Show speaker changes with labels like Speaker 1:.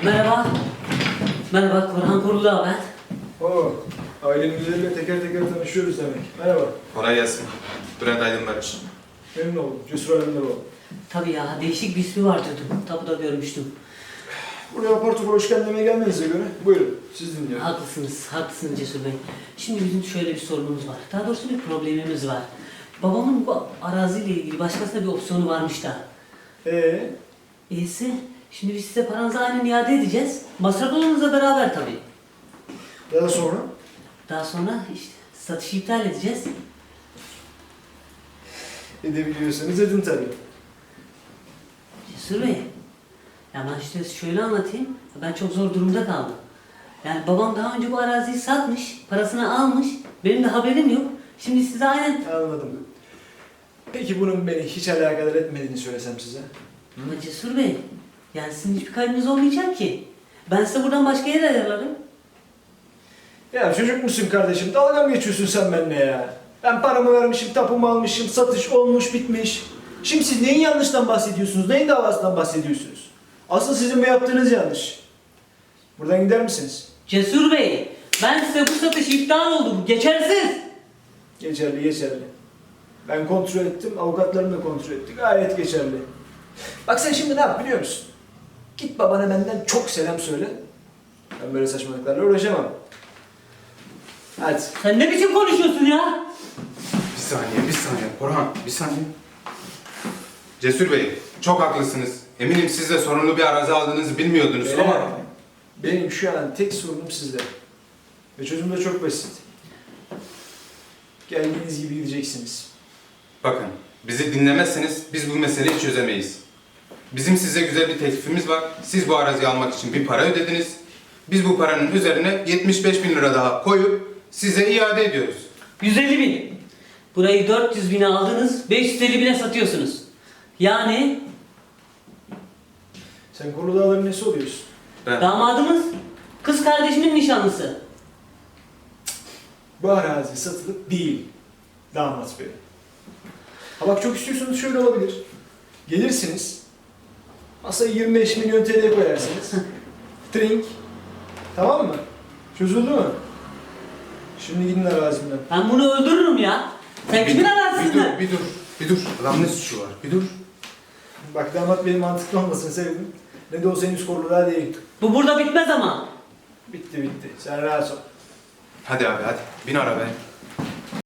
Speaker 1: Merhaba. Merhaba, Korhan Kurulağ ben.
Speaker 2: Oo, ailenin üzerinde teker teker tanışıyoruz demek. Merhaba,
Speaker 3: Kolay gelsin. Bülent Aydın Barış.
Speaker 2: memnun oldum. Cesur Alemdaroğlu.
Speaker 1: Tabii ya, değişik bir ismi var diyordum. Tapuda görmüştüm.
Speaker 2: Buraya apar topar hoş geldin demeye gelmenize göre buyurun, siz dinliyorum.
Speaker 1: Haklısınız Cesur Bey. Şimdi bizim şöyle bir sorunumuz var. Daha doğrusu bir problemimiz var. Babamın bu araziyle ilgili başkasına bir opsiyonu varmış da. İyisi, şimdi biz size paranızı aynen iade edeceğiz. Masraflarınızla beraber tabii.
Speaker 2: Daha sonra?
Speaker 1: Daha sonra işte satışı iptal edeceğiz.
Speaker 2: Edebiliyorsanız edin tabii.
Speaker 1: Cesur Bey, ya ben işte şöyle anlatayım. Ben çok zor durumda kaldım. Yani babam daha önce bu araziyi satmış, parasını almış. Benim de haberim yok. Şimdi size aynen...
Speaker 2: Anladım. Peki bunun beni hiç alakadar etmediğini söylesem size?
Speaker 1: Ama Cesur Bey, yani sizin hiçbir kaybınız olmayacak ki. Ben size buradan başka yer ayarlarım.
Speaker 2: Ya çocuk musun kardeşim? Dalga mı geçiyorsun sen benimle ya? Ben paramı vermişim, tapumu almışım, satış olmuş, bitmiş. Şimdi siz neyin yanlıştan bahsediyorsunuz? Neyin davasından bahsediyorsunuz? Asıl sizin bu yaptığınız yanlış. Buradan gider misiniz?
Speaker 1: Cesur Bey, ben size bu satış iptal oldu. Bu geçersiz.
Speaker 2: Geçerli, geçerli. Ben kontrol ettim, avukatlarım da kontrol etti. Gayet geçerli. Bak sen şimdi ne yap biliyor musun? Git babana benden çok selam söyle. Ben böyle saçmalıklarla uğraşamam. Hadi.
Speaker 1: Sen ne biçim konuşuyorsun ya?
Speaker 3: Bir saniye. Orhan, bir saniye. Cesur Bey, çok haklısınız. Eminim siz de sorunlu bir arazi aldığınızı bilmiyordunuz ama...
Speaker 2: Benim şu an tek sorunum sizde. Ve çözüm de çok basit. Geldiğiniz gibi gideceksiniz.
Speaker 3: Bakın, bizi dinlemezseniz biz bu meseleyi çözemeyiz. Bizim size güzel bir teklifimiz var. Siz bu araziyi almak için bir para ödediniz. Biz bu paranın üzerine 75.000 lira daha koyup size iade ediyoruz.
Speaker 1: 150.000. Burayı 400.000'e aldınız, 550.000'e satıyorsunuz. Yani
Speaker 2: Sen Korlu Dağların nesi oluyorsun?
Speaker 3: Ben...
Speaker 1: damadımız kız kardeşimin nişanlısı.
Speaker 2: Bu arazi satılıp değil. Damat bey. Ha bak çok istiyorsanız şöyle olabilir. Gelirsiniz. Masaya 25 milyon TL koyarsınız. Drink. Tamam mı? Çözüldü mü? Şimdi gidin arazimden.
Speaker 1: Ben bunu öldürürüm ya. Sen kimin arazisinden?
Speaker 3: Bir dur. Adam ne suçu var? Bir dur.
Speaker 2: Bak damat benim mantıklı olmasını sevdim. Ne de olsa henüz Korlu Dağ değil.
Speaker 1: Bu burada bitmez ama.
Speaker 2: Bitti bitti. Sen rahat ol.
Speaker 3: Hadi abi hadi. Bin arabaya.